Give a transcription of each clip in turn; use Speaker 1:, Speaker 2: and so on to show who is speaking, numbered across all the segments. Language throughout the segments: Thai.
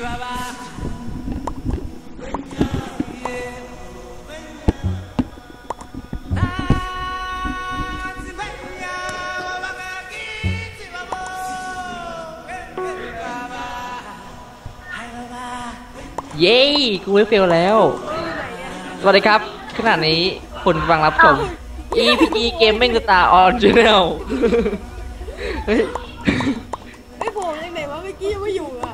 Speaker 1: เย้กูไม่เฟลแล้วสวัสดีครับขณะนี้คุณฟังรับชม EPG Gaming Star on Channel
Speaker 2: ไอ้โผล่ยังไหนวะเมื่อกี้ยังไม่อยู่อ่ะ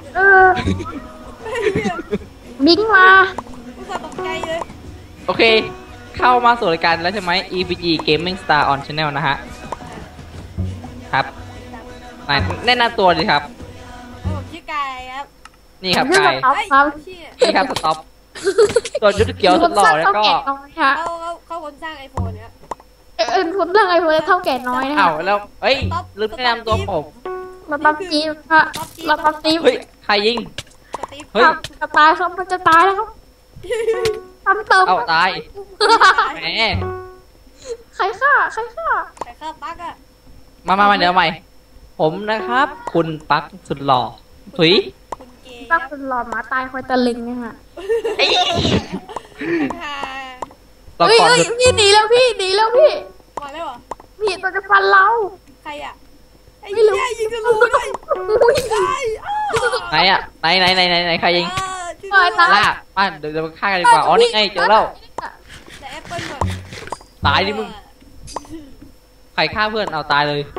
Speaker 3: บิงมา
Speaker 2: อุตส่าห์ตกใจเลย
Speaker 1: โอเคเข้ามาสู่รายการแล้วใช่ไหม EPG Gaming Star on Channel นะฮะครับแนะนำตัวดีครับ
Speaker 2: ผมชื่อกายครับ
Speaker 1: นี่ครับกายนี่ครับสต็อปตัวยุทธเกียวสุดหล่อแล้วก็
Speaker 2: เขาคนสร้างไอโฟนเนี่ย
Speaker 3: คนสร้างไอโฟนเท่าแก่น้อยนะ
Speaker 1: อ้าวแล้วเฮ้ยลืมแนะนำตัวผม
Speaker 3: มาปั๊มจีบค่ะมาปั๊มจีบ
Speaker 1: เฮ้ยใครยิง
Speaker 3: เฮ้ยจะตายครับมันจะตายแล้วครับทำเติม
Speaker 1: เอาตายแหม
Speaker 3: ใครฆ่า
Speaker 2: ปักอะ
Speaker 1: มาเดี๋ยวใหม่ผมนะครับคุณปักสุดหล่อถุย
Speaker 3: ปักสุดหล่อหมาตายคอยตะลึงเนี่ยฮะเฮ้ยพี่หนีแล้วพี่
Speaker 2: มาแล้วเหรอ
Speaker 3: พี่ตัวจะฟันเรา
Speaker 2: ใครอะไอ้เหี้ยยิงทะลุเลย
Speaker 1: ไหนอะไหนใครยิงล่าป้าเดี๋ยวมาฆ่ากันดีกว่าอ๋อนี่ไงเจอแล้ว
Speaker 2: แต่แอปเปิ้ลแบบ
Speaker 1: ตายดิมึงใครฆ่าเพื่อนเอาตายเลย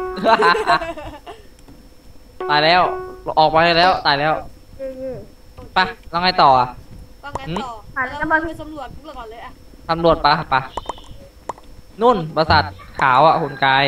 Speaker 1: ตายแล้วออกมาแล้วตายแล้วไปแล้วไงต่ออ่ะ
Speaker 2: ก็งั้นต่อเราไปสำรวจก่อนเลยอะ
Speaker 1: ตำรวจปะนุ่นปราสาทขาวอ่ะหุ่นกาย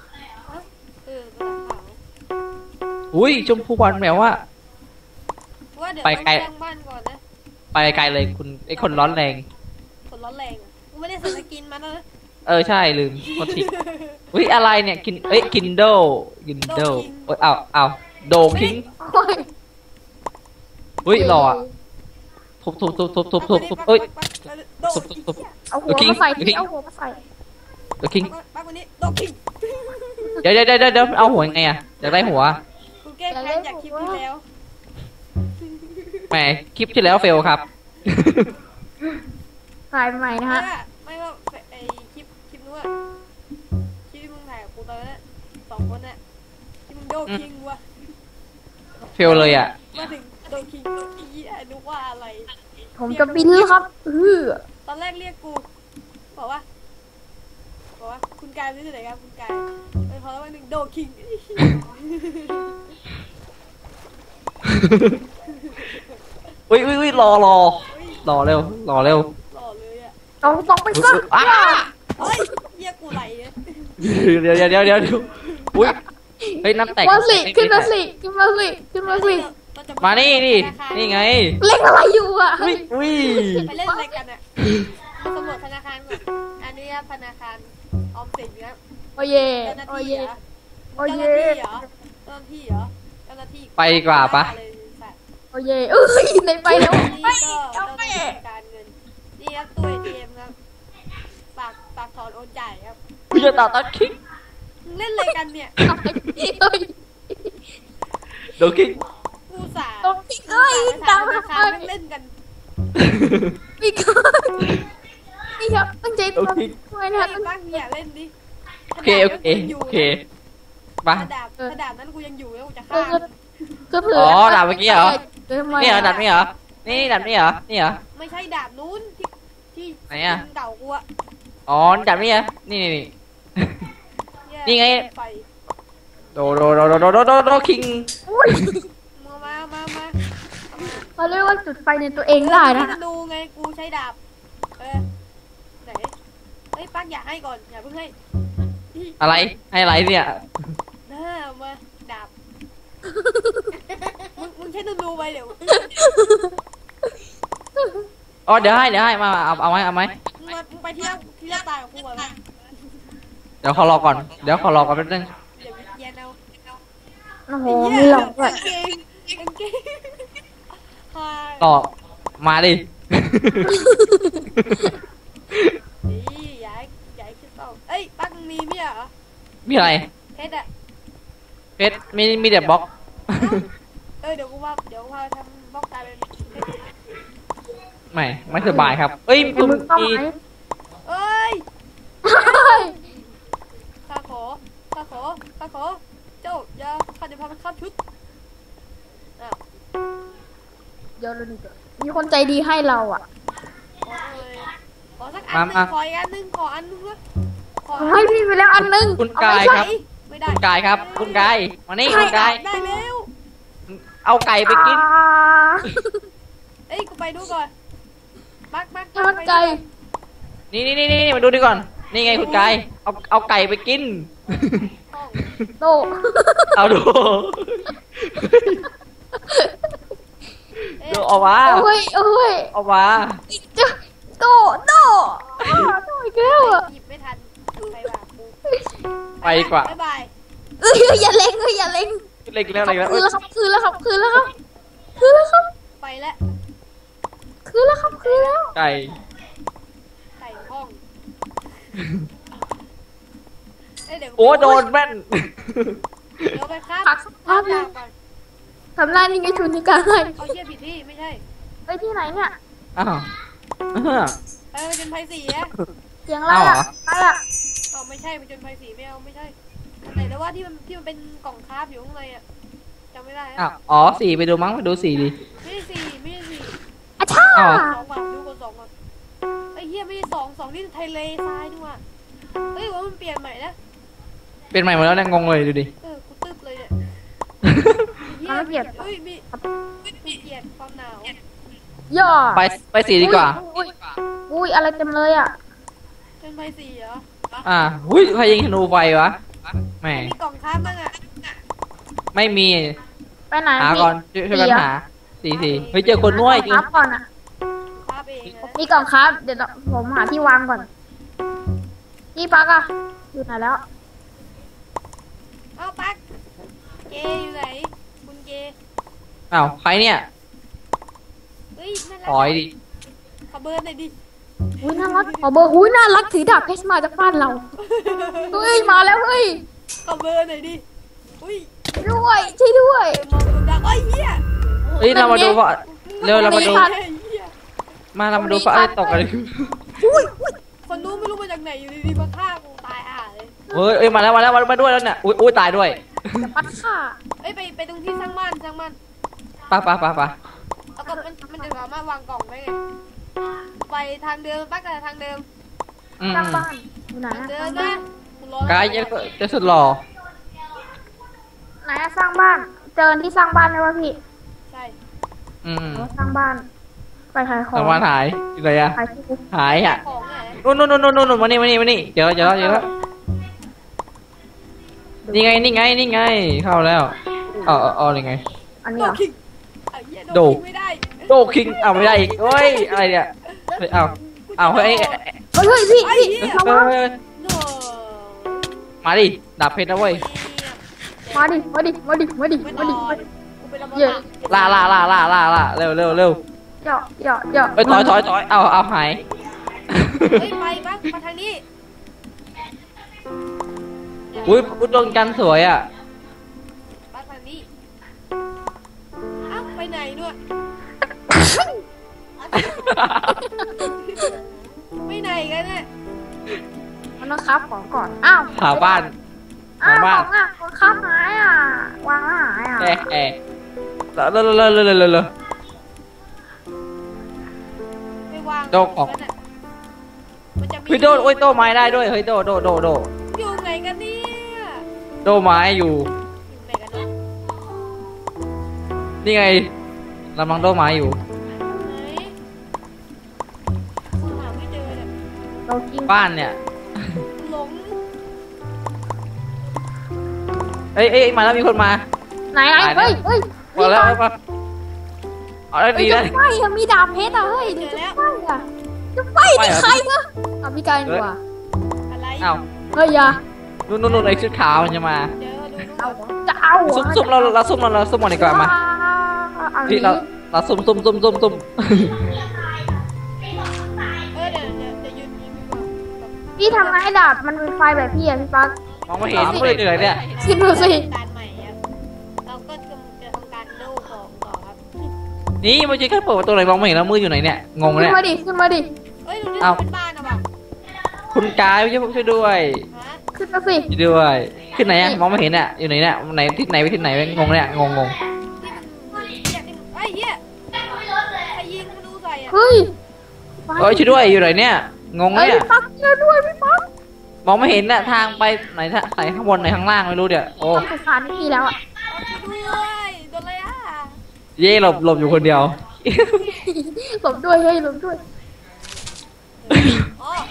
Speaker 1: อุ้ยชมพูวันแมวว่า
Speaker 2: ไปไกลบ้านก่อนนะ
Speaker 1: ไปไกลเลยคุณไอคนร้อนแรง
Speaker 2: กูไม่ได้ใส่สกินมานะ
Speaker 1: ใช่ลืมโทษทีอุ้ยอะไรเนี่ยกินโดเอ้ยเอาโดคิงอุ้ยหล่อทุบเอ้ยทุบ
Speaker 3: เอาหัวมาใส่
Speaker 1: โดคิง
Speaker 2: ป้าคนนี้โดคิง
Speaker 1: เดี๋ยวเอาหัวยังไงอะอยากได้หัว
Speaker 2: กูแก้แค้นจากคลิปที่แล้ว
Speaker 1: แหมคลิปที่แล้วเฟลครับ
Speaker 3: ถ่ายใหม่นะฮะ
Speaker 2: ไม่ว่าไอคลิปนู้นอะคลิปที่มึงถ่ายกับกูตอนนั้น2 คนน่ะที่มึงโดคิงวะ
Speaker 1: เฟลเลยอะ
Speaker 2: มาถึงโดคิงอีนึกว่าอะไร
Speaker 3: ผมจะบินครับ
Speaker 2: ตอนแรกเรียกกูบอกว่าคุณกายไม่ใช่ไหนครับคุณกายพอแล้ววันหนึ่งโดคิง
Speaker 1: อุ้ยรอเร็ว
Speaker 2: เลยอ่ะ
Speaker 3: ต้องไปซะ
Speaker 2: เฮ้ยเรียกกูไหล
Speaker 1: เดี๋ยวอุ้ยเฮ้ยน้ำแตก
Speaker 3: ขึ้นมาสิ
Speaker 1: มานี่ไง
Speaker 3: เล่นอะไรอยู่อ่ะ
Speaker 1: อุ้ย
Speaker 2: ไปเล่นอะไรกันอ่ะสำรวจธนาคารก่อนอันนี้ธนาคารออมสินครับ
Speaker 3: โอ้ย
Speaker 2: เจ้าหน้าที่
Speaker 1: ไปกว่าปะ
Speaker 3: โอ้ยในไปแล้ว
Speaker 2: ไปการเงินนี่ครับตัว ATM ครับฝากถอนโอนจ่ายครับ
Speaker 1: กูจะต่อตัดคิก
Speaker 2: เล่นอะไรกันเนี่ย
Speaker 1: โดคิก
Speaker 2: กูสา
Speaker 3: ตาม
Speaker 2: เล่นกัน
Speaker 3: นี่ครับตั้งใจตัวด้วยนะ
Speaker 2: ตั้งอย่าเล่นดิ
Speaker 1: โอเค
Speaker 2: มาดาบนั้นกูยังอยู่แล้วกูจะฆ่า
Speaker 1: อ๋อดาบเมื่อกี้เหรอนี่เหรอดาบนี่เหรอนี่ดาบนี่เหรอ
Speaker 2: ไม่ใช่ดาบนู้นที่
Speaker 1: ไหนอ่ะ
Speaker 2: เก่ากูอะ
Speaker 1: อ๋อดาบนี่เหรอนี่ไงโดคิง
Speaker 2: มา
Speaker 3: เขาเรียกว่าจุดไฟในตัวเองได้นะ
Speaker 2: ดูไงกูใช้ดาบไหนเฮ้ยปักอย่าให้ก่อนอย่าเพิ่งให้
Speaker 1: อะไรให้อะไรเนี่ย
Speaker 2: มาดาบมึงใช้ดูไปเดี๋ยว
Speaker 1: อ๋อเดี๋ยวให้มาเอาไหม
Speaker 2: มึงไปที่แรกตายกับกูก่อน
Speaker 1: เดี๋ยวขอรอก่อนแป๊บนึง
Speaker 3: โอ้โหมีหลอกด้วย
Speaker 1: ต่อมาดิ
Speaker 2: นี่ย้ายขึ้นต่อเอ้ยปักมีมั้ยเหรอ
Speaker 1: มีอะไร
Speaker 2: เพชร
Speaker 1: มีแต่บล็อก
Speaker 2: เดี๋ยวกูว่าทำป้องกลายเป็น
Speaker 1: ไม่สบายครับ เอ้ย
Speaker 3: ไอ้
Speaker 1: คุณ
Speaker 3: มึงต้อง
Speaker 1: มี
Speaker 3: ไหม
Speaker 2: เอ้ย
Speaker 3: เฮ้ย
Speaker 2: ข้าขอเจ้าอย่าข้าจะพามันข้ามชุดอ้าว
Speaker 3: เดี๋ยวดูมีคนใจดีให้เราอ่ะ
Speaker 2: ขอสักอันหนึ่งขออีกอันหนึ่งขออันหนึงด้วยขอ
Speaker 3: ให้พี่ไปแล้วอันนึง
Speaker 1: คุณ
Speaker 3: เอา
Speaker 1: กาย
Speaker 3: ไป
Speaker 1: ครับ
Speaker 2: ไม่ได้
Speaker 1: คุณกายครับ คุณกายมานี่คุณกาย
Speaker 2: ได้แล้ว
Speaker 1: เอาไก่ไปกิน
Speaker 2: เอ้ยกูไปดูก่อนบัก
Speaker 3: นี่มันไก่
Speaker 1: นี่มาดูดิก่อน นี่ไงคุณกายเอาไก่ไปกิน
Speaker 2: ห้อง
Speaker 3: โต
Speaker 1: เอาดู
Speaker 2: เอ๊ะ
Speaker 1: ดูเอามา
Speaker 3: เอ้ย
Speaker 1: เอามา
Speaker 3: จะโตอีกแล้วอ่ะ
Speaker 2: หยิบไม่ทันไปว่ะกู
Speaker 1: ไปดีกว่า
Speaker 2: บ๊ายบาย
Speaker 3: อย่าเล็งอย่าเล็ง
Speaker 1: เล็กแล้วเล็กแล้ว
Speaker 3: คืนแล้วครับคืนแล้วครับ
Speaker 2: ไปแล้ว
Speaker 1: ไก่
Speaker 2: ใส่ห้องเอ้ยเดี๋ยว
Speaker 1: โอ้โดนแม่น
Speaker 2: เดี๋ยวไปครับ
Speaker 3: ผักสักพักหนึ่ง
Speaker 2: ก่อน
Speaker 3: ทำหน้านี่ไงชุนนิการให้
Speaker 2: เอาเยี่ยผิดที่ไม่ใช่
Speaker 3: ไปที่ไหนเนี่ย
Speaker 1: อ้าว
Speaker 2: มันเป็นไพ่สีอะ
Speaker 3: เสียงอะไรอ่ะอะไรอ่ะ
Speaker 2: เอาไม่ใช่มันเป็นไพ่สีไม่เอาไม่ใช่อันไหนแล้วว่าที่มันเป็นกล่องคราฟอยู่ข้างในอะจำไม่ได้อะ
Speaker 1: อ้าวอ๋อสีไปดูมั้งไปดูสีดิ
Speaker 2: ไม่ใช่สี่ไม่ใช่สี่
Speaker 3: อ่ะช่า
Speaker 1: อ้าว
Speaker 2: สองว่ะดูก่อนสองก่อนไอ้เหี้ยไม่ใช่สองนี่ไทยเลทรายนี่ว่ะเฮ้ยว่ามันเปลี่ยนใหม่นะ
Speaker 1: เป็นใหม่หมดแล้วเนี่ยงงเลยดูดิ
Speaker 2: กูตึ๊บเลยเนี่ย
Speaker 3: มันไม่เปลี่ยน
Speaker 2: เฮ้ยมีเปลี่ยนความหนาว
Speaker 3: ย่อ
Speaker 1: ไปสีดีกว่า
Speaker 3: อุ้ยอะไรเต็มเลยอ่ะ
Speaker 2: เป็นไพ่สีเหรอ
Speaker 1: หุ้ยใครยิงธนูไฟวะแหม
Speaker 2: มีกล่องคราฟบ้างอะ
Speaker 1: ไม่มี
Speaker 3: ไปไหน
Speaker 1: หาก่อนช่วยกันหาสีเฮ้ยเจอคนน้วยจริง
Speaker 3: ครับก่อนอ่ะ
Speaker 2: คราฟเองนะ
Speaker 3: มีกล่องครับ เดี๋ยวผมหาที่วางก่อนพี่ปักอะอยู่ไหนแล้ว
Speaker 2: เอาปักเกอยู่ไหนคุณเก
Speaker 1: อ้าวใครเนี่ย
Speaker 2: เฮ้ยน่ารั
Speaker 1: ถอยดิ
Speaker 2: ขอเบอร์หน่อยดิ
Speaker 3: อุ้ยน่ารักขอเบอร์อุ้ยน่ารักถือดาบเพชรมาจากบ้านเราเฮ้ยมาแล้วเฮ้ย
Speaker 2: ขอเบอร์หน่อยดิอุ้ย
Speaker 3: ช่วยด้วย
Speaker 2: มองดูดังไอ้เหี้ย
Speaker 1: เฮ้ยเรามาดูว่าเร็วเรามาดู
Speaker 2: ไอ้เหี้ย
Speaker 1: มาเรามาดูฟ้าอะไรตกอะไร
Speaker 2: คนนู้นไม่รู้มาจากไหนอยู่ดีๆมาฆ่ากูตายห่าเลย
Speaker 1: เฮ้ยมาแล้วมาด้วยแล้วเนี่ยอุ้ยตายด้วย
Speaker 3: จะปัดข่า
Speaker 2: เอ้ยไปตรงที่สร้างบ้าน
Speaker 1: ไป
Speaker 2: แล้วก็มันจะสามารถวางกล่องได้ไงไปทางเดิมปักกับทางเดิม
Speaker 3: สร้างบ้านอยู่ไหน
Speaker 2: ทาง
Speaker 3: อะ
Speaker 2: เดิมนะกูรอ
Speaker 1: กายจะสุดหล่อ
Speaker 3: ไหนอะสร้างบ้าน เจอที่สร้างบ้านไหมวะพี่
Speaker 2: ใช่
Speaker 3: สร้างบ้าน ไปขายของ
Speaker 1: รางวัลหายอยู่ไหนอะ
Speaker 3: ขายที่
Speaker 1: หายอ่ะ
Speaker 2: ของไหน
Speaker 1: นู่นมานี่เดี๋ยวนี่ไงเข้าแล้วอ๋อนี่ไง
Speaker 3: อันนี้
Speaker 2: โด
Speaker 3: เหรอ
Speaker 2: คิงไอ้เหี้ย
Speaker 1: โด
Speaker 2: โดคิงไม่ได้
Speaker 1: โดคิงเอาไม่ได้อีกเฮ้ยอะไรเนี่ยเฮ้ยเอาเฮ้ย
Speaker 3: เฮ้ยพี่
Speaker 2: ไอ้เหี้ย
Speaker 3: ระวัง
Speaker 2: โด
Speaker 1: มาดิดาบเพชรนะเว้ย
Speaker 3: มาดิ
Speaker 2: ไม่นอนกูเป็นระเบิด
Speaker 1: ล่าเร็ว
Speaker 3: เหยาะ
Speaker 1: เฮ้ยถอยเอาหาย
Speaker 2: เฮ้ยไปปักมาทางนี้
Speaker 1: อุ้ยดวงจันทร์สวยอ่ะ
Speaker 2: ปักทางนี้เอ้าไปไหนด้วยไปไหนกันเนี่ย
Speaker 3: มันต้องคับของก่อน อ้าว
Speaker 1: หาบ้าน
Speaker 3: อ้าว
Speaker 1: หาบ้าน
Speaker 3: ของอ่ะของคับหายอ่ะ วางแล้วหายอ่ะ
Speaker 1: เร็ว
Speaker 2: ไม่วาง
Speaker 1: โดกออก
Speaker 2: มันจะมี
Speaker 1: เฮ้ยโอ้ยโตไม้ได้ด้วยเฮ้ยโด
Speaker 2: อยู่ไหนกันเนี่ย
Speaker 1: โดไม้อยู่
Speaker 2: อยู่ไหนกันเนาะ
Speaker 1: นี่ไงกำลังโดไม้อยู่
Speaker 2: ไหนกูหาไม่เจอเนี่ย
Speaker 3: เรากิน
Speaker 1: บ้านเนี่ย
Speaker 2: หลง
Speaker 1: เอ้ยมาแล้วมีคนมา
Speaker 3: ไหนเฮ้ย
Speaker 1: พอแล้วมาเอาได้ดี
Speaker 3: จะ
Speaker 1: นะ
Speaker 3: ไฟอะมีดาบเพชรอะเฮ้ยจะไฟอะจะไฟนี่ใครวะเอาพี่กายดีกว่า
Speaker 2: อะไร
Speaker 1: อ้าว
Speaker 3: เฮ้ยอย่า
Speaker 1: นู่นไอ้ชุดขาวมันจะมา
Speaker 2: เดี๋ยวดู
Speaker 3: เอาจะเอา
Speaker 1: ซุ่มเราซุ่มหมดดีกว่ามา
Speaker 3: เอา
Speaker 1: พี่
Speaker 3: นี้
Speaker 1: เราซุ่ม
Speaker 2: เดี๋ยวยืนยิ้มดีกว่า
Speaker 3: พี่ทำไงให้ดาบมันเป็นไฟแบบพี่อะพี่ปั๊ก
Speaker 1: มองไม่เห็นไม่ได้เหนื่อยเนี่ย
Speaker 3: คิดดูสิ
Speaker 2: การใหม่ครับเราก็จะทำการโล่ของต่อครับ
Speaker 1: นี่มันจะแค่เปิดประตูไหนมองไม่เห็นแล้วมืออยู่ไหนเนี่ยงง
Speaker 3: ขึ้น
Speaker 1: เนี่ย
Speaker 3: มาดิขึ้นมาดิ
Speaker 2: เอ้ยตรงนี้
Speaker 1: เอ้า
Speaker 2: เป็นบ้านอะว่ะ
Speaker 1: คุณกายช่วยด้วย
Speaker 2: ฮะ
Speaker 3: ขึ้นมาสิ
Speaker 1: ช่วยด้วยขึ้นไหนอะมองไม่เห็นอะอยู่ไหนเนี่ยไหนทิศไหนไปทิศไหนงงเนี่ยงง
Speaker 2: นี่มันเหี้ยนี่มันไอ้เหี้ยใครยิงธนูใส่อะ
Speaker 3: เฮ้ย
Speaker 1: เอ้ยช่วยด้วยอยู่ไหนเนี่ยงง
Speaker 3: เอ้ย
Speaker 1: เนี่ย
Speaker 3: พี่ปักช่วยด้วยพี่ปัก
Speaker 1: มองไม่เห็นน่ะทางไปไหนไหนข้างบนไหนข้างล่างไม่รู้เดี๋ยวโอ้
Speaker 3: ทำสุสานไม่มีแล้วอ่ะ
Speaker 2: ช่วยด้วยโดนอะไรอะ
Speaker 1: เย่หลบอยู่คนเดียว
Speaker 3: หลบด้วยเฮ้ยหลบด้วย
Speaker 2: อ๋อ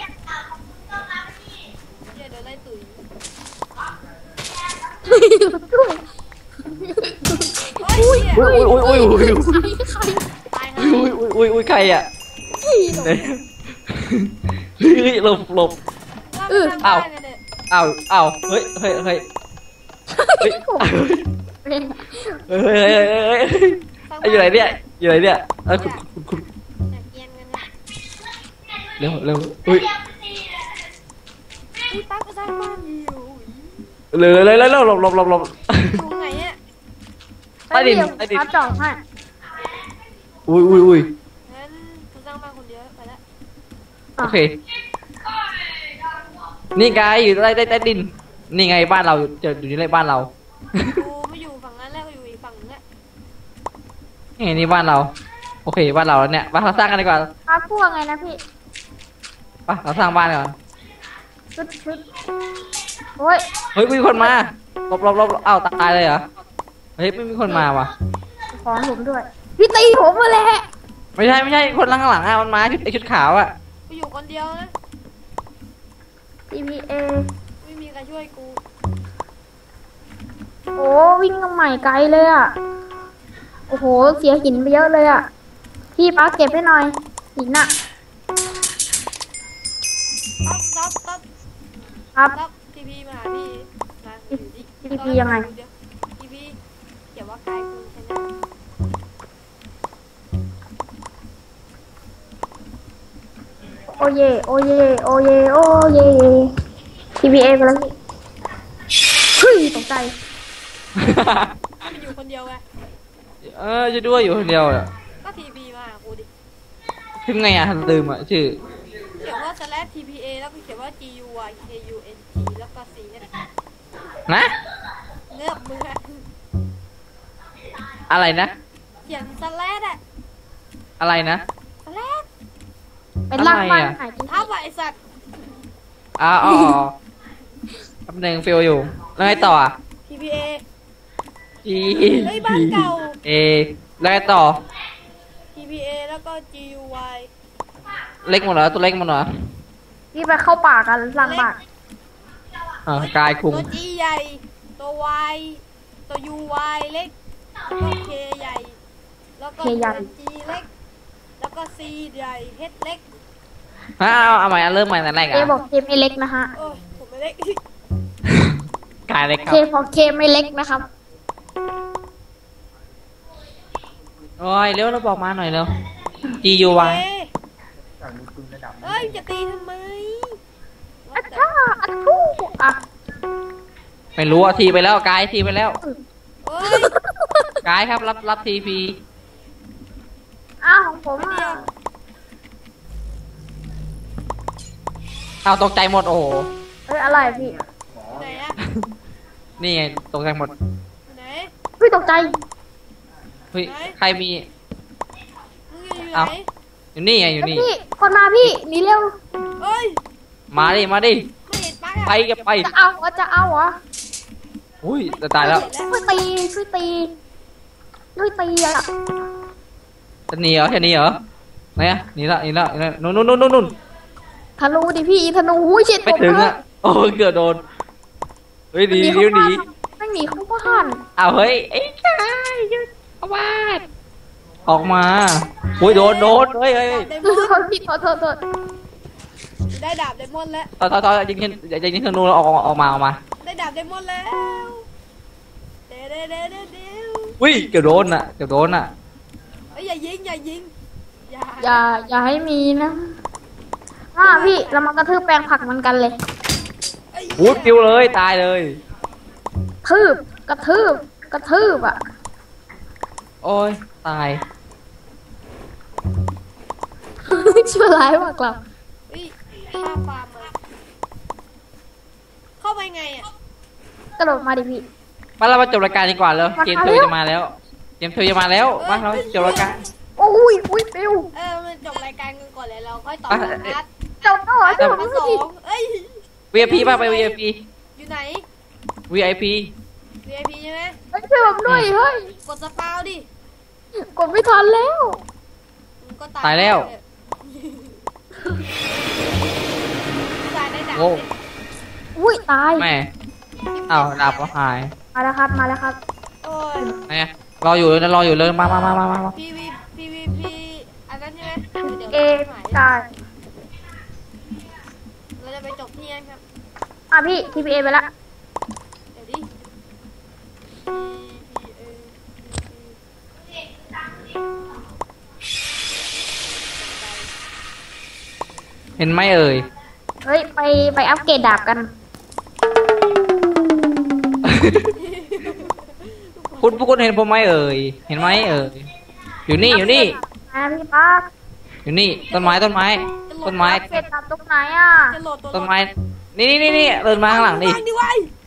Speaker 2: เหี้ยโดนไล่ตุ๋ย
Speaker 3: หลบด้วย
Speaker 2: เฮ้ยเหี้ย
Speaker 3: ใคร
Speaker 2: ตาย
Speaker 1: อุ้ยใครอะ
Speaker 3: ใคร
Speaker 1: เฮ้ยหลบ
Speaker 2: ว่าไปทางบ้านกันเนี่ย
Speaker 1: อ้าวเฮ้ยเฮ้ยเฮ้ยเฮ้ย
Speaker 3: ผมเป็น
Speaker 1: เฮ้ยอยู่ไหนเนี่ยอยู่ไหนเนี่ยคุณ
Speaker 2: อยากเกียนกันเนี่ย
Speaker 1: เร็วอุ้ย
Speaker 2: พี่ปั๊กก็สร้างบ้านอยู่
Speaker 1: เลยหลบ
Speaker 2: อยู่ตรงไหนอะ
Speaker 1: ใต้ดิน
Speaker 3: ครับจ่องให้
Speaker 1: อุ้ย
Speaker 2: งั้นกูสร้างบ้านคนเดียวไปละ
Speaker 1: โอเคนี่ไงอยู่ใต้ดินนี่ไงบ้านเราจะอยู่ในบ้านเรา
Speaker 2: กูไม่อยู่ฝั่งนั้นแล้วกูอยู่อีกฝั่งนึงอะ
Speaker 1: นี่บ้านเราโอเคบ้านเราแล้วเนี่ยบ้านเราสร้างกันดีกว่า
Speaker 3: ครับพวกไงนะพี่
Speaker 1: ไปเราสร้างบ้านก่อน
Speaker 3: ชุดโอ้ย
Speaker 1: เฮ้ยมีคนมาหลบอ้าวตายเลยเหรอเฮ้ยไม่มีคนมาว่ะ
Speaker 3: ขอผมด้วย พี่ตีผมมาแหละ
Speaker 1: ไม่ใช่คนข้างหลังอ่ะมันมาชุดขาวอ่ะ
Speaker 2: กูอยู่คนเดียวนะ
Speaker 3: TPA
Speaker 2: ไม่มีใครช่วยกู
Speaker 3: โอ้วิ่งกันใหม่ไกลเลยอ่ะ โอ้โห เสียหินไปเยอะเลยอ่ะ พี่ป้าเก็บให้หน่อย หินอ่ะ
Speaker 2: ต๊อบ
Speaker 3: ครับ
Speaker 2: ทีพีมาหาพี่มาอยู่ดิ
Speaker 3: TP ยังไง
Speaker 2: ทีพีเขียนว่ากายกูใช่ไหม
Speaker 3: โอเย โอเย โอเย โอเย TPA ไปแล้วพี่เฮ้ยตกใจ
Speaker 2: มันอยู่คนเดียวไง
Speaker 1: จะด้วยอยู่คนเดียวอ่ะ
Speaker 2: ก็ทีพีมาหากูดิ
Speaker 1: ถึงไงอ่ะลืมอ่ะชื่อ
Speaker 2: เขียนว่า /TPA แล้วก็เขียนว่า GUYKUNG แล้วก็ C เนี่ย
Speaker 1: นะ
Speaker 2: เงือบมือ
Speaker 1: อะไรนะ
Speaker 2: เขียนอะ
Speaker 1: อะไรนะ
Speaker 3: เป็นร่างบ้าน
Speaker 1: อะไรอะ
Speaker 3: ไหนพี่
Speaker 2: ท้าว่าไอสัตว์
Speaker 1: อ๋อแป๊บนึงฟิลอยู่แล้วไงต่ออ่ะ
Speaker 2: TPA
Speaker 1: G
Speaker 2: เฮ้ยบ้านเก่า
Speaker 1: A แล้วไงต่อ
Speaker 2: TPA แล้วก็ GUY
Speaker 1: เล็กหมดเหรอตัวเล็กหมดเหรอ
Speaker 3: พี่ไปเข้าป่ากันร่างบ้าน
Speaker 1: กายคุง
Speaker 2: ตัว G ใหญ่ ตัว Y ตัว UY เล็กแล้วก็ K ใหญ่ แล้วก็ตัว G เล็ก แล้วก็ C ใหญ่ H เล็ก
Speaker 1: เอาใหม่เริ่มใหม่แต่แรก
Speaker 3: เค
Speaker 1: อ่ะ
Speaker 3: บอกเคไม่เล็กนะฮะ
Speaker 2: โอ้ยผมไม่เล็ก
Speaker 1: กายเล็กค
Speaker 3: เครับ บอกเคไม่เล็กนะครับ
Speaker 1: โอ้ยเร็วเราบอกมาหน่อยเร็ว G U Y
Speaker 2: เอ้ยจะตีทำไม
Speaker 3: อัดท่าอัดทูอ่ะ
Speaker 1: ไม่รู้อ่ะทีไปแล้วกายทีไปแล้ว
Speaker 2: เอ้ย
Speaker 1: กายครับรับทีพี
Speaker 3: อ้าวของผมอ่ะ
Speaker 1: เอาตกใจหมดโอ้โห
Speaker 3: เอ้ยอะไรพี่
Speaker 2: ไหนอะ
Speaker 1: นี่ไงตกใจหมด
Speaker 2: ไหน
Speaker 3: พี่ตกใจ
Speaker 1: เฮ้ยใครมี
Speaker 2: มึงอยู่ไหน
Speaker 1: เอ้า อยู่นี่ไงอยู่
Speaker 3: เอ้ย
Speaker 1: นี่
Speaker 3: พี่คนมาพี่หนีเร็ว
Speaker 2: เอ้ย
Speaker 1: มาดิ
Speaker 2: ไม่เห็นปักอะ
Speaker 1: ไปกันไป
Speaker 3: จะเอาเหรอจะเอาเหรอ
Speaker 1: อุ้ยจะตายแล้ว
Speaker 3: ช่วยตีช่วยตีช่วยตีอ่ะ
Speaker 1: จะหนีเหรอจะหนีเหรอไหนอะหนีละนู่น
Speaker 3: ธนูดิพี่ธนูหุ้ยเช็ด
Speaker 1: ไม่ถึงอะโอ้ยเกือบโดนเฮ้ยหนี
Speaker 3: เข้า
Speaker 1: หนี
Speaker 3: บ้านไม่หนีเข้าบ้าน
Speaker 1: เอาเฮ้ยไอ้ชายหยุดเข้าบ้านออกมาอุ้ยโดนเฮ้ย
Speaker 2: ดาบไดม
Speaker 3: โท
Speaker 2: อน
Speaker 3: ษพี่โทษ
Speaker 2: ได้ดาบไดมอนแล้ว
Speaker 1: ต่อยิงธนูแล้วออกมา
Speaker 2: ได้ดาบไดมอนแล้วเดี๋ยว
Speaker 1: อุ้ยเกือบโดนอะ
Speaker 2: เอ้ยอย่ายิง
Speaker 3: อย่าให้มีนะพี่เรามากระทืบแปลงผักมันกันเลย
Speaker 2: เอ้ย
Speaker 1: อุ้ยปิวเลยตายเลย
Speaker 3: กระทืบอ่ะ
Speaker 1: โอ้ยตาย
Speaker 3: ชั่วร้ายมากครับ
Speaker 2: เฮ้ยข้าฟาร์มมาเข้าไปไงอ่ะ
Speaker 3: กระโดดมาดิพี่
Speaker 1: มาเรามาจบรายการดีกว่าแล้วเกมเธอจะมาแล้วเกมเธอจะมาแล้วมาเราจบรายการ
Speaker 3: โอ้ยอุ้ยปิว
Speaker 2: มันจบรายการกันก่อนเลยเราค่อยต่อ
Speaker 1: อ่ะ
Speaker 2: นัด
Speaker 3: เจ้าต่อเจ้า
Speaker 2: มาส
Speaker 3: ต่
Speaker 2: อ
Speaker 3: อ
Speaker 2: งเอ้ย
Speaker 1: VIP ป่ะไป VIP
Speaker 2: อยู่ไหน
Speaker 1: VIP
Speaker 2: VIP ใช่ไหม
Speaker 3: เฮ้ยช่วยผมด้วยเฮ้ย
Speaker 2: กดสปาวดิ
Speaker 3: กดไม่ทันแล้ว
Speaker 2: มึงก็
Speaker 1: ตายแล้ว
Speaker 2: ตายได้ดับ
Speaker 1: โอ้
Speaker 3: อุ้ยตาย
Speaker 1: แม่อ้าวดาบก็หาย
Speaker 3: มาแล้วครับมาแล้วครับ
Speaker 2: โอ้ย
Speaker 1: ไงรออยู่เลยรออยู่เลยมา
Speaker 2: PVP อันนั้นใช่ไหมเดี๋ยว
Speaker 3: เอ
Speaker 2: หาย
Speaker 3: ใช่
Speaker 2: เราจะไปจบที่นั่นครับ
Speaker 3: พี่ TPA ไปละ
Speaker 2: เดี๋ยวดิ
Speaker 1: เห็นไหมเอ่ย
Speaker 3: เฮ้ยไปอัปเกรดดาบกัน
Speaker 1: คุณพวกคุณเห็นผมไหมเอ่ยเห็นไหมเอ่ยอยู่นี่อยู่นี่
Speaker 3: พี่ป้า
Speaker 1: อยู่นี่ต้นไม้ต้นไม้
Speaker 3: อัปเกรดดาบตรงไหนอ่ะ
Speaker 2: จะโหลดตัว
Speaker 1: ต้นไม้นี่เดินมาข้างหลังดิ
Speaker 2: วางดิไว้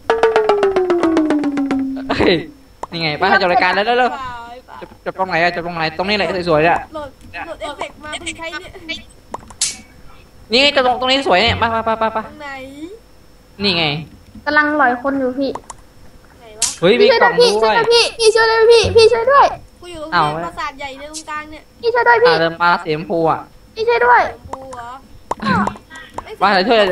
Speaker 1: เฮ้ยนี่ไงป้าจบรายการแล้วเร็วจบตรงไหนอะจบตรงไหนตรงนี้แหละสวยๆเนี่ย
Speaker 2: โหลดเอฟเฟกต์มาเพิ่งใช้เนี่ย
Speaker 1: นี่ไงตรงนี้สวยเนี่ยมา
Speaker 2: ตรงไหน
Speaker 1: นี่ไง
Speaker 3: กำลังหลอยคนอยู่พี่
Speaker 2: ไหนวะ
Speaker 1: เฮ้ยมี
Speaker 3: พี่ช่วย
Speaker 1: กล่
Speaker 3: ด้
Speaker 1: อ
Speaker 3: วย
Speaker 1: ง
Speaker 3: พี่
Speaker 1: ด้
Speaker 3: ช่
Speaker 1: ว
Speaker 3: วย ยด้วยพี่ช่วยด้วยพี่ช่วยด้วย
Speaker 2: กูอยู่ตรง
Speaker 1: อ้าว
Speaker 2: นี้ปราสาทใหญ่ในตรงกลางเนี่ย
Speaker 3: พี่ช่วยด้วยพี่
Speaker 1: เดินมาสีชมพูอ่ะ
Speaker 3: พี่ช่วยด้วย
Speaker 2: ชมพูเหรอ
Speaker 1: มาเดี๋ยวช่วย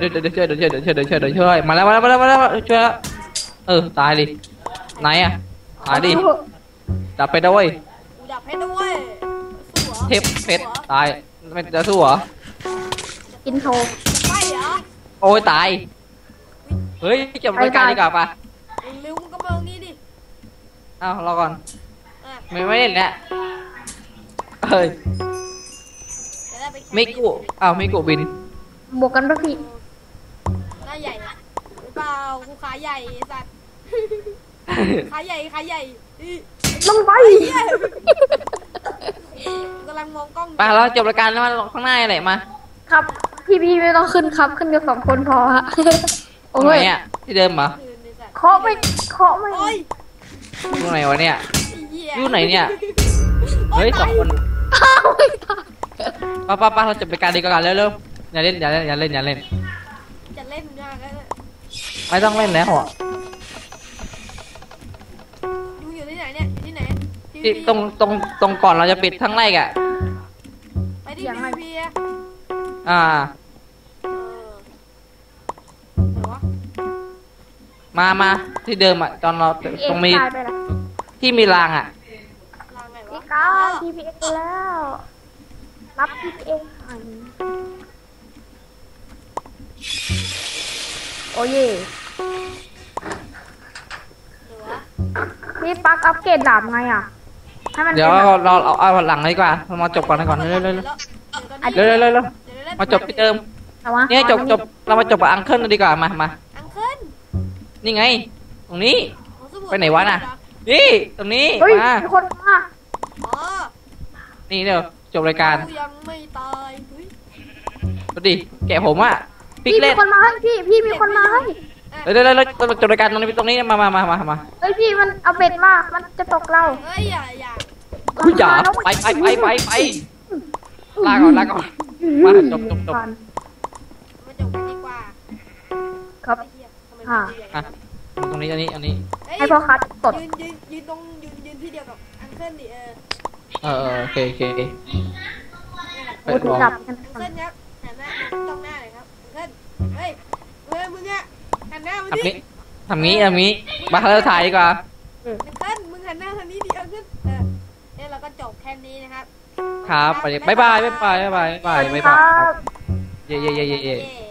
Speaker 1: มาแล้วช่วยแล้วตายดิไหนอ่ะตายดิดับไปด้วย
Speaker 2: กูดับให้ด้วยสู้เหรอ
Speaker 1: เทพเพชรตายไม่จะสู้เหรอ
Speaker 3: กินโท
Speaker 2: จะไปเหรอ
Speaker 1: โอ้ยตายเฮ้ยจบรายการดีกว่าป่ะ
Speaker 2: เร็วๆมึงก็มาตรงนี้ดิ
Speaker 1: อ้าวรอก่อน
Speaker 2: อ่ะ
Speaker 1: ไม่เล่นแล้วเฮ้ย
Speaker 2: จะได้ไปแข่ง
Speaker 1: มิกุอ้าวมิกุบิน
Speaker 3: บวกกันป่ะพี่
Speaker 2: หน้าใหญ่อะหรือเปล่ากูขาใหญ่ไอ้สัตว์ขาใหญ่อื้อ
Speaker 3: ลงไป
Speaker 2: กูกำลังมองกล้องอยู่
Speaker 1: ไปเราจบรายการแล้วมาข้างหน้าอะไรมา
Speaker 3: ครับพี่ไม่ต้องขึ้นครับขึ้นกัน2 คนพอฮะ
Speaker 1: ตรงไหนอ่ะที่เดิมเหรอ
Speaker 2: คืนไอ้สัตว์
Speaker 3: เคาะไม่
Speaker 2: โอ้ย
Speaker 1: อยู่ไหนวะเนี่ย
Speaker 2: ไอ้เหี้ย
Speaker 1: อยู่ไหนเนี่ย
Speaker 2: โอ๊
Speaker 1: เฮ้ย
Speaker 2: ตา
Speaker 1: 2 คน
Speaker 3: อ้าวไม่ตาย
Speaker 1: ป้าเราจบรายการดีกว่าเร็วอย่าเล่น
Speaker 2: จะเล่นมากแล้วเนี่ย
Speaker 1: ไม่ต้องเล่นแล้วอ่ะ
Speaker 2: มึงอยู่ที่ไหนเนี่ยอยู่ที่ไหน
Speaker 1: ที่ตรงก่อนเราจะปิดทั้งไร่อ่ะ
Speaker 2: ไปที่ PVP อะ
Speaker 1: อ่า
Speaker 2: ไหนวะ
Speaker 1: มาที่เดิมอ่ะตอนเราตรงมี
Speaker 3: ตายไปแล้ว
Speaker 1: ที่มีรางอ่ะ
Speaker 2: ลางไหนวะ
Speaker 3: พี่ก้า TPA แล้ว รับ TPA หันโอ้ย
Speaker 2: ไหนวะ
Speaker 3: พี่ปักอัปเกรดดาบไงอ่ะ ให้มัน
Speaker 1: เดี๋ยว
Speaker 3: ป็น
Speaker 1: เราเอาหลังดีกว่าเรามาจบก่อนเร็วเร็วมาจบที่เดิม
Speaker 3: แต่ว่า
Speaker 1: เนี่ยจบเรามาจบกับอังเคิลดีกว่ามา
Speaker 2: อังเคิล
Speaker 1: นี่ไง ตรงนี้
Speaker 2: ของสมุ
Speaker 1: ไปไหนวะน่ะ นี่ตรงนี้
Speaker 3: เฮ้ย
Speaker 1: มา
Speaker 3: มีคนมา
Speaker 2: อ๋อ
Speaker 1: นี่เดี๋ยวจบรายการ
Speaker 2: กูยังไม่ตายเฮ้ย
Speaker 1: ดูดิแกะผมอ่ะปิก
Speaker 3: พี่
Speaker 1: เล่
Speaker 3: มี
Speaker 1: น
Speaker 3: คนมาให้พี่มีคนมาให้
Speaker 1: เดี๋ยวจบรายการตรงนี้มา
Speaker 3: เฮ้ยพี่มันเอาเบ็ดมา มันจะตกเรา
Speaker 2: เฮ้ยอย่า
Speaker 1: อุ้ยจ๋าไปลาก่อนมาจบ
Speaker 2: มาจบกันดีกว่า
Speaker 3: ครับ
Speaker 2: ไอ้เหี้ยทำไมมันตัวใหญ่
Speaker 1: อ่ะตรงนี้อันนี้
Speaker 2: เฮ้ย
Speaker 3: ให้พ่อคัดกด
Speaker 2: ยืนตรงยืนที่เดียวกับอังเคิลดิ
Speaker 1: โอเค
Speaker 2: นี่แหละ
Speaker 1: ไป
Speaker 3: โอ้
Speaker 1: ล
Speaker 3: ถูก
Speaker 1: อง
Speaker 3: จับกัน
Speaker 2: อังเคิลครับหันหน้าจ้องหน้าเลยครับอังเคิลเฮ้ยมึงอะหันหน้ามาดิ
Speaker 1: ทำงี้มาเราถ่ายดีกว่า
Speaker 2: อังเคิลมึงหันหน้าทางนี้ดิอังเคิลเนี่ยเราก็จบแค่นี้นะครับ
Speaker 1: ครับไปบ๊ายบาย
Speaker 3: ครับ
Speaker 1: เย่